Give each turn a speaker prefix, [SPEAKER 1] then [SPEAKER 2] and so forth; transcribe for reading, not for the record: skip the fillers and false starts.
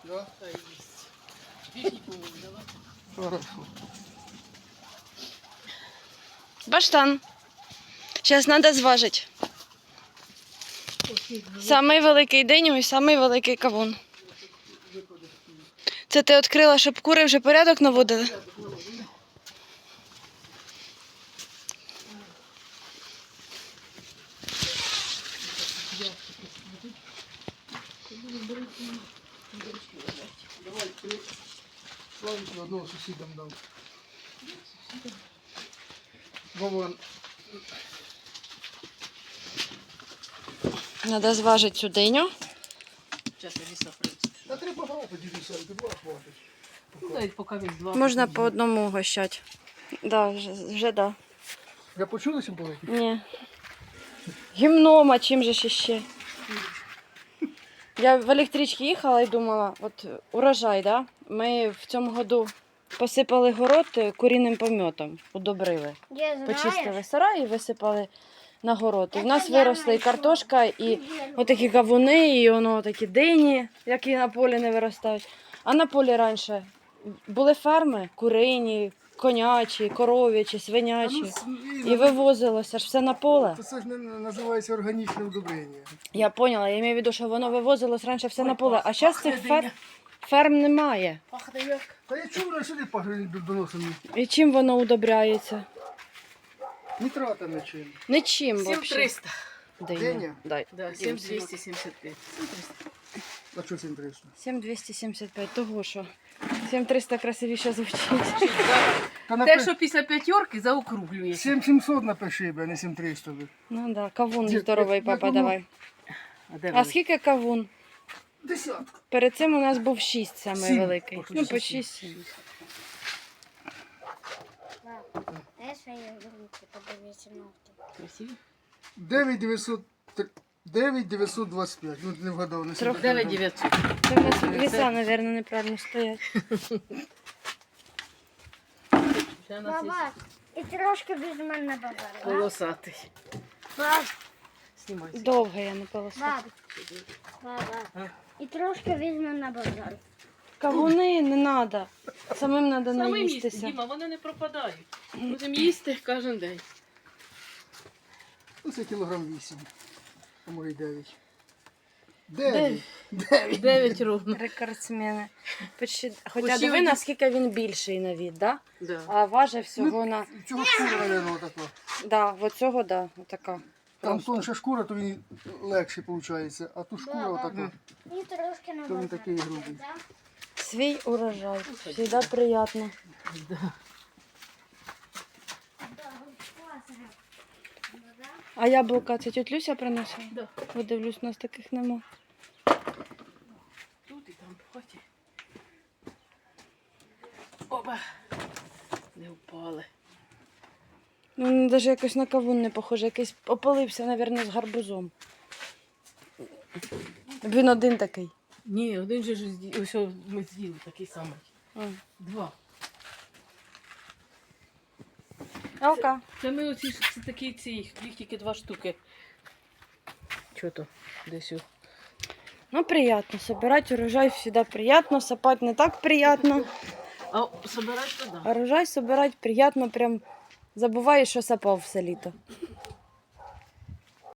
[SPEAKER 1] Да?
[SPEAKER 2] Та їсть. Бігіть, по-моєму, давайте.
[SPEAKER 1] Хорошо.
[SPEAKER 3] Баштан. Зараз треба зважити. Самий великий день і самий великий кавун. Це ти відкрила, щоб кури вже порядок наводили?
[SPEAKER 1] Давай, три. Славіку одного сусідам дам. Вован.
[SPEAKER 3] Треба зважити цю диню.
[SPEAKER 2] Зараз я ліса прийду.
[SPEAKER 1] Та треба багато дідуся, ти два хватить.
[SPEAKER 2] Дай поки він два.
[SPEAKER 3] Можна по одному угощати. Да, вже да.
[SPEAKER 1] Я почули чим великий?
[SPEAKER 3] Ні. Гімном, а чим же ж іще? Я в електричці їхала і думала, от урожай, да? Ми в цьому году посипали город куріним помьотом, удобрили. Почистили сарай і висипали на город. І в нас виросли і картошка, і отакі кавуни, і воно такі дині, які на полі не виростають. А на полі раніше були ферми, курині, конячі, коров'ячі, свинячі. І вивозилося ж все на поле.
[SPEAKER 1] Це ж не називається органічне удобрення.
[SPEAKER 3] Я поняла, я маю в виду, що воно вивозилось раніше все на поле. А зараз цих ферм немає.
[SPEAKER 2] Пахне як.
[SPEAKER 1] Та я чув, сюди пахне доносом.
[SPEAKER 3] І чим воно удобряється?
[SPEAKER 1] Нітратами чим.
[SPEAKER 3] Нічим взагалі.
[SPEAKER 2] 7300.
[SPEAKER 1] Деня?
[SPEAKER 3] Дай.
[SPEAKER 2] Да, 7275.
[SPEAKER 1] А що 7300?
[SPEAKER 3] 7275, того що. 7300 красивіше звучить.
[SPEAKER 1] Та
[SPEAKER 2] Те, що після п'ятерки заокруглюється.
[SPEAKER 1] 7700 напиши, а не 7300.
[SPEAKER 3] Ну да, кавун
[SPEAKER 1] Дід,
[SPEAKER 3] здоровий,
[SPEAKER 1] як
[SPEAKER 3] папа,
[SPEAKER 1] воно?
[SPEAKER 3] давай.
[SPEAKER 2] А де
[SPEAKER 3] А
[SPEAKER 2] вони?
[SPEAKER 3] скільки кавун?
[SPEAKER 1] Десятка.
[SPEAKER 3] Перед цим у нас був 6 самий
[SPEAKER 1] Сім.
[SPEAKER 3] великий.
[SPEAKER 1] По
[SPEAKER 3] Ну, по
[SPEAKER 1] 6.
[SPEAKER 3] 6-7.
[SPEAKER 4] Дай свої руки, подивіться ногті.
[SPEAKER 2] Красиві?
[SPEAKER 1] 9925. Ну, не вгадав. Не
[SPEAKER 3] Трохи.
[SPEAKER 2] 9900.
[SPEAKER 3] Це в нас віса, мабуть, неправильно стоять.
[SPEAKER 2] Ще у нас є
[SPEAKER 4] Баба, і трошки візьме на базар.
[SPEAKER 2] полосатий.
[SPEAKER 4] Баб,
[SPEAKER 2] Знімайся.
[SPEAKER 3] Довго я не полосила.
[SPEAKER 4] баба. І трошки візьме на базар.
[SPEAKER 3] Кавуни не треба. Самим треба
[SPEAKER 2] Саме їсти,
[SPEAKER 3] наїстися.
[SPEAKER 2] Діма, вони не пропадають. Будемо їсти кожен день.
[SPEAKER 1] Ну, це кілограм 8. А може й 9.
[SPEAKER 2] Дев'ять.
[SPEAKER 1] 9.
[SPEAKER 2] 9 ровно.
[SPEAKER 3] Рекордсмени. Хоча
[SPEAKER 2] Усі
[SPEAKER 3] диви,
[SPEAKER 2] одні-
[SPEAKER 3] наскільки він більший на від, да?
[SPEAKER 2] Да.
[SPEAKER 3] А важить всього на...
[SPEAKER 1] Цього шкура, мабуть, така.
[SPEAKER 3] Да, оцього, да, отака.
[SPEAKER 1] Там тонша шкура, то він легше виходить. А тут шкура
[SPEAKER 4] Да,
[SPEAKER 1] отака.
[SPEAKER 4] І трошки на
[SPEAKER 1] То він
[SPEAKER 4] базар.
[SPEAKER 1] такий грубий.
[SPEAKER 4] Да?
[SPEAKER 3] Свій урожай. Всегда приємно.
[SPEAKER 2] Да.
[SPEAKER 4] Да, класно. Да?
[SPEAKER 3] А яблука це тють Люся принесла?
[SPEAKER 2] Да.
[SPEAKER 3] Подивлюсь, у нас таких нема.
[SPEAKER 2] Тут і там в хаті. Опа. Не впали.
[SPEAKER 3] Ну, він навіть якось на кавун не похоже, якийсь опалився, мабуть, з гарбузом. Він один такий.
[SPEAKER 2] Ні, один же ж ось ми з'їли такий самий.
[SPEAKER 3] А.
[SPEAKER 2] 2.
[SPEAKER 3] Алка.
[SPEAKER 2] Це ми оці ж це такі ці, їх тільки 2 штуки. Чого то? Десь у.
[SPEAKER 3] Ну, приятно. Собирать урожай всегда приятно, сапать не так приятно.
[SPEAKER 2] А собирати туди.
[SPEAKER 3] А урожай собирать приятно, прям забуваєш, що сапав все літо.